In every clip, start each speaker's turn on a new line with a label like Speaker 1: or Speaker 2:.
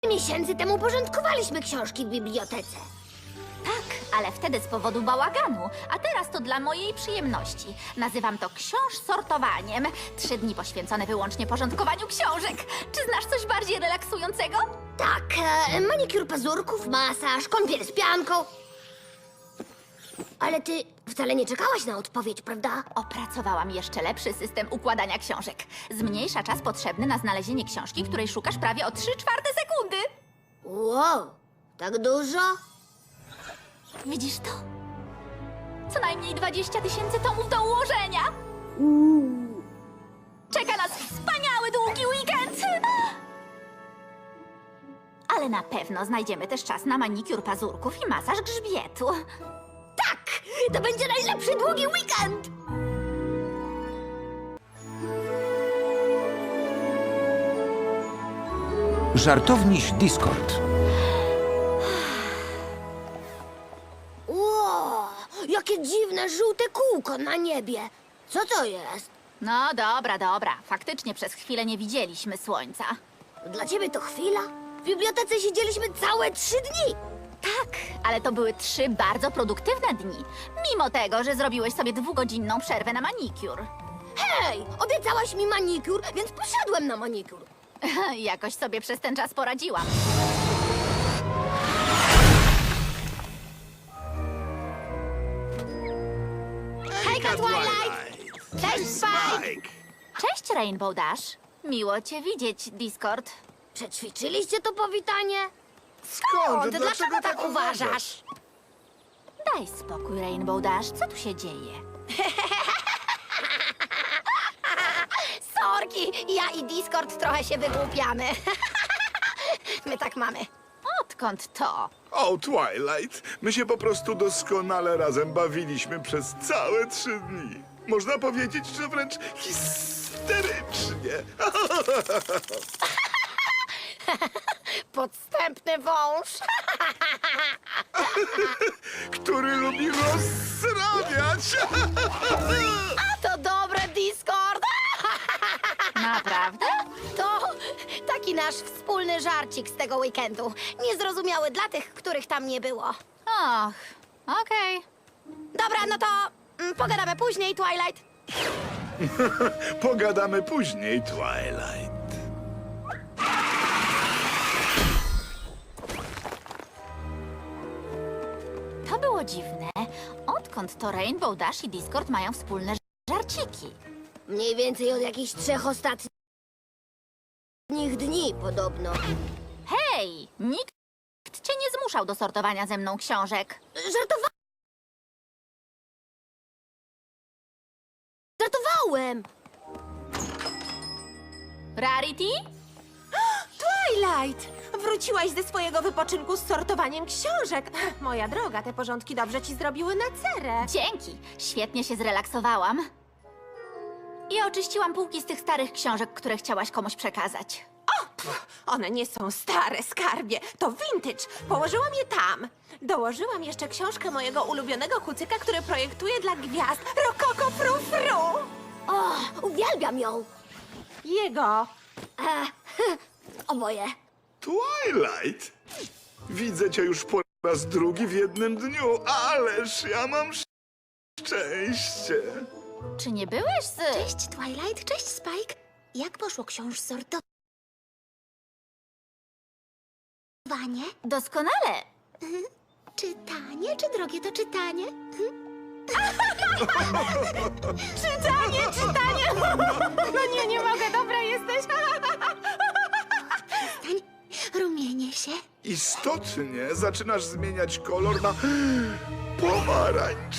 Speaker 1: miesięcy temu porządkowaliśmy książki w bibliotece.
Speaker 2: Tak, ale wtedy z powodu bałaganu, a teraz to dla mojej przyjemności. Nazywam to sortowaniem. 3 dni poświęcone wyłącznie porządkowaniu książek. Czy znasz coś bardziej relaksującego?
Speaker 1: Tak, manikur pazurków, masaż, kąpiel z pianką. Ale ty wcale nie czekałaś na odpowiedź, prawda?
Speaker 2: Opracowałam jeszcze lepszy system układania książek. Zmniejsza czas potrzebny na znalezienie książki, której szukasz prawie o 3/4 sekundy.
Speaker 1: Wow, tak dużo?
Speaker 2: Widzisz to? Co najmniej 20 000 tomów do ułożenia. Czeka nas wspaniały długi weekend! Ale na pewno znajdziemy też czas na manikur pazurków i masaż grzbietu.
Speaker 1: Tak, to będzie najlepszy długi weekend!
Speaker 3: Żartowniś Discord.
Speaker 1: Wow, jakie dziwne żółte kółko na niebie. Co to jest?
Speaker 2: No dobra. Faktycznie przez chwilę nie widzieliśmy słońca.
Speaker 1: Dla ciebie to chwila? W bibliotece siedzieliśmy całe 3 dni.
Speaker 2: Tak, ale to były 3 bardzo produktywne dni. Mimo tego, że zrobiłeś sobie 2-godzinną przerwę na manikur.
Speaker 1: Hej, obiecałaś mi manikur, więc poszedłem na manikur.
Speaker 2: Jakoś sobie przez ten czas poradziłam.
Speaker 1: Hejka, Twilight! Cześć, Spike!
Speaker 2: Cześć, Rainbow Dash. Miło cię widzieć, Discord.
Speaker 1: Przećwiczyliście to powitanie?
Speaker 4: Skąd?
Speaker 1: Dlaczego tak uważasz?
Speaker 2: Daj spokój, Rainbow Dash. Co tu się dzieje?
Speaker 1: Sorki, ja i Discord trochę się wygłupiamy. My tak mamy.
Speaker 2: Odkąd to?
Speaker 4: O, Twilight, my się po prostu doskonale razem bawiliśmy przez całe 3 dni. Można powiedzieć, że wręcz histerycznie.
Speaker 1: Podstępny wąż.
Speaker 4: Który lubi rozsrabiać.
Speaker 1: To dobre, Discord.
Speaker 2: Naprawdę?
Speaker 1: To taki nasz wspólny żarcik z tego weekendu. Niezrozumiały dla tych, których tam nie było.
Speaker 2: Och, okej.
Speaker 1: Dobra, no to pogadamy później, Twilight.
Speaker 4: Pogadamy później, Twilight.
Speaker 2: To było dziwne. Odkąd to Rainbow Dash i Discord mają wspólne żarciki?
Speaker 1: Mniej więcej od jakichś 3 ostatnich dni podobno.
Speaker 2: Hej, nikt cię nie zmuszał do sortowania ze mną książek.
Speaker 1: Żartowałem!
Speaker 2: Rarity?
Speaker 5: Twilight! Wróciłaś ze swojego wypoczynku z sortowaniem książek. Moja droga, te porządki dobrze ci zrobiły na cerę.
Speaker 2: Dzięki. Świetnie się zrelaksowałam. I oczyściłam półki z tych starych książek, które chciałaś komuś przekazać.
Speaker 5: One nie są stare, skarbie. To vintage. Położyłam je tam. Dołożyłam jeszcze książkę mojego ulubionego kucyka, który projektuje dla gwiazd. Rokoko Frufru!
Speaker 1: O, uwielbiam ją!
Speaker 5: Jego.
Speaker 1: Oboje.
Speaker 4: Twilight? Widzę cię już po raz drugi w jednym dniu, ależ ja mam szczęście.
Speaker 2: Czy nie byłeś z...
Speaker 1: Cześć, Twilight. Cześć, Spike. Jak poszło sortowanie?
Speaker 2: Doskonale.
Speaker 1: Czytanie? Czy drogie to czytanie?
Speaker 5: Czytanie! No nie mogę, dobra jesteś.
Speaker 1: Rumienię się.
Speaker 4: Istotnie zaczynasz zmieniać kolor na pomarańcz.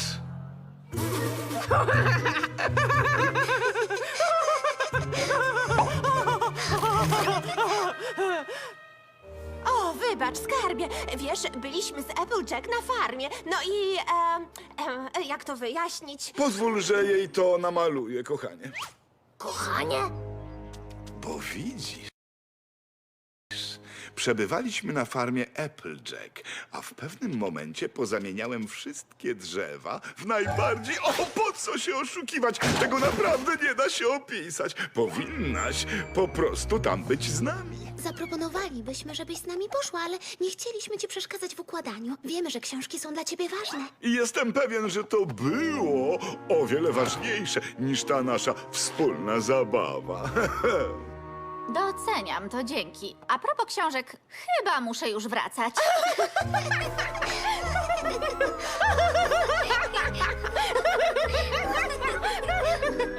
Speaker 5: O, wybacz, skarbie. Wiesz, byliśmy z Applejack na farmie. No i... jak to wyjaśnić?
Speaker 4: Pozwól, że jej to namaluję, kochanie.
Speaker 1: Kochanie?
Speaker 4: Bo widzisz, Przebywaliśmy na farmie Applejack, a w pewnym momencie pozamieniałem wszystkie drzewa w najbardziej... O, po co się oszukiwać? Tego naprawdę nie da się opisać. Powinnaś po prostu tam być z nami.
Speaker 1: Zaproponowalibyśmy, żebyś z nami poszła, ale nie chcieliśmy ci przeszkadzać w układaniu. Wiemy, że książki są dla ciebie ważne.
Speaker 4: I jestem pewien, że to było o wiele ważniejsze niż ta nasza wspólna zabawa.
Speaker 2: Doceniam to, dzięki. A propos książek, chyba muszę już wracać.